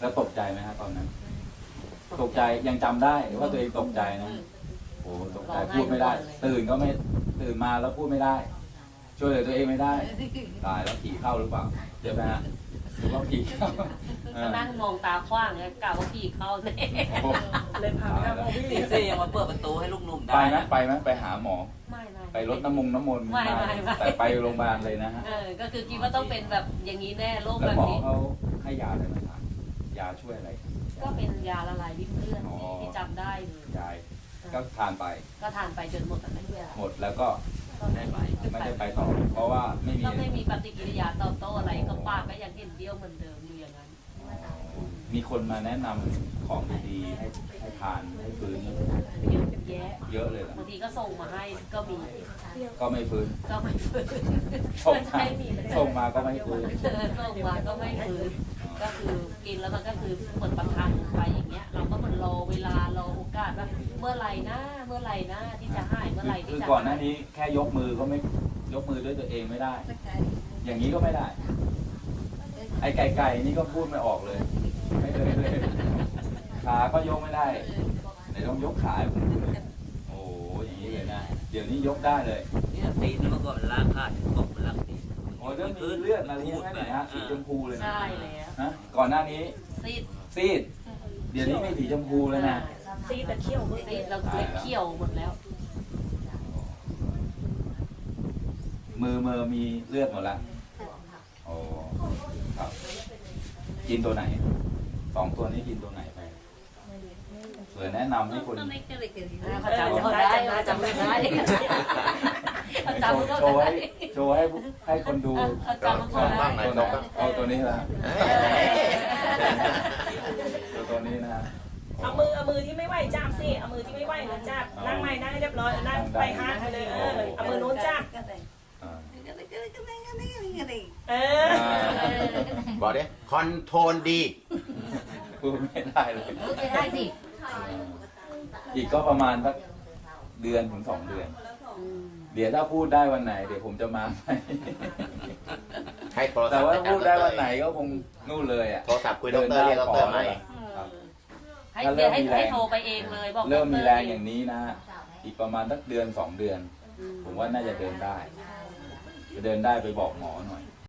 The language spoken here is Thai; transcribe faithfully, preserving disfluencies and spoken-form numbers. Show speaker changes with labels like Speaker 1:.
Speaker 1: แล้วตกใจไหมครับตอนนั้นตกใจยังจำได้ว่าตัวเองตกใจนะโอ้ตกใจพูดไม่ได้ ตื่นก็ไม่ตื่นมาแล้วพูดไม่ได้ช่วยเหลือตัวเองไม่ได้ตายแล้วผีเข้าหรือเปล่าเดี๋ยวนะหรือว่าผีเข้า
Speaker 2: ก็นั่งมองตาขว้างไงกะว่าผีเข้าเนี่ย
Speaker 3: เลยพาไปหาหมอพี่
Speaker 4: เซ่ยังมาเปิดประตูให้ลูกหนุ่มได้
Speaker 1: ไปไหมไปไหมไปหาหมอ
Speaker 2: ไม่ไม่
Speaker 1: ไปรดน้ำมงน้ำมนต์
Speaker 2: ไม่ไม่
Speaker 1: แต่ไปโรงพยาบาลเลยนะฮะ
Speaker 2: เออก็คือคิดว่าต้องเป็นแบบอย่างนี้แน่โรคแบบนี้
Speaker 1: แล้วหมอเขาให้ยาอะไรมาทานยาช่วยอะไร
Speaker 2: ก็เป็นยาละลายริ่มเลือดที่จำได้เลย
Speaker 1: ยายก็ทานไป
Speaker 2: ก็ทานไปจนหมดแล้วยา
Speaker 1: หมดแล้วก็ไม่ไปไม่ได้ไปต่อเพราะว่าไม่มี
Speaker 2: ก็ไม่มีปฏิกิริยาตอบโต้อะไรก็ปากก็ยังเห็นเดียวเหมือนเดิมอยู่อย่างนั้น
Speaker 1: มีคนมาแนะนำของดีๆให้ให้ทานให้ฟื้น
Speaker 2: เยอะแยะ
Speaker 1: เยอะเลย
Speaker 2: บางทีก็ส่งมาให้ก็มี
Speaker 1: ก็ไม่ฟื้น
Speaker 2: ก็ไม่ฟื้น
Speaker 1: ส่งมาส่งมาก็ไม่ฟื้น
Speaker 2: ส่งมาก็ไม่ฟื้นก็คือกินแล้วมันก็คือเหมือนประทังไปอย่างเงี้ยเราก็เหมือนรอเวลารอโอกาสว่าเมื่อไหร่นะเมื่อไหร่นะที่จะหายเมื่อไหร่ที่
Speaker 1: คือ
Speaker 2: จะ
Speaker 1: ก่อนหน้านี้แค่ยกมือก็ไม่ยกมือด้วยตัวเองไม่ได้อย่างนี้ก็ไม่ได้ไอ้ไก่ไก่นี่ก็พูดไม่ออกเลยไม่เลยเลยขาก็ยกไม่ได้ไหนต้องยกขาให้ผมดูเลยโอ้อย่างนี้เลยนะเดี๋ยวนี้ยกได้เลย
Speaker 4: เนี่ยตีนเมื่อก่อนล้างขาดตกมันล้างตีน
Speaker 1: โอ้เรื่องมีเลือดมาเลี้ยงให้หน่อยฮะสีชมพูเลยนะ
Speaker 2: ใช่แล้ว
Speaker 1: ฮะก่อนหน้านี้
Speaker 2: ซีด
Speaker 1: ซีดเดี๋ยวนี้ไม่สีชมพูแล้วนะ
Speaker 3: ซีดแต่เขี้ยว
Speaker 2: ซีดเราเล็บเขี้ยวหมดแล้ว
Speaker 1: มือมือมีเลือดหมดแล้วโอ้ครับกินตัวไหนสองตัวนี้กินตัวไหนไปเผื่อแนะนำให้คน
Speaker 2: เขาจำเขาได้เขาจำไม่ได้เขาจำเขา
Speaker 1: โชว์ให้
Speaker 2: ได้
Speaker 1: โชว์ให้ให้คนดู
Speaker 2: เขาจำเขาได้
Speaker 1: ตัวไหนเอาตัวนี้ละตัวตัวนี้นะ
Speaker 3: เอามือเอามือที่ไม่ไหวจับสิเอามือที่ไม่ไหวนะจับนั่งใหม่นั่งให้เรียบร้อยนั่งไปห้างไปเลยเออเอามือโน้นจับเออ
Speaker 5: บอกดิคอนโทรลดี
Speaker 1: พูดไม่ได้เลย
Speaker 2: พูดไม่ได้สิ
Speaker 1: อีกก็ประมาณสักเดือนถึงสองเดือนเดี๋ยวถ้าพูดได้วันไหนเดี๋ยวผมจะมา
Speaker 5: ให้โทรศัพท์
Speaker 1: แต่ว่าพูดได้วันไหนก็คงนู่นเลยอ่ะ
Speaker 5: โทรศัพท์คุยดรเรียกดรใหม่
Speaker 2: ให้เดี๋ยวให้ให้โทรไปเองเลยบอก
Speaker 1: เริ่มมีแรงอย่างนี้นะอีกประมาณสักเดือนสองเดือนผมว่าน่าจะเดินได้จะเดินได้ไปบอกหมอหน่อย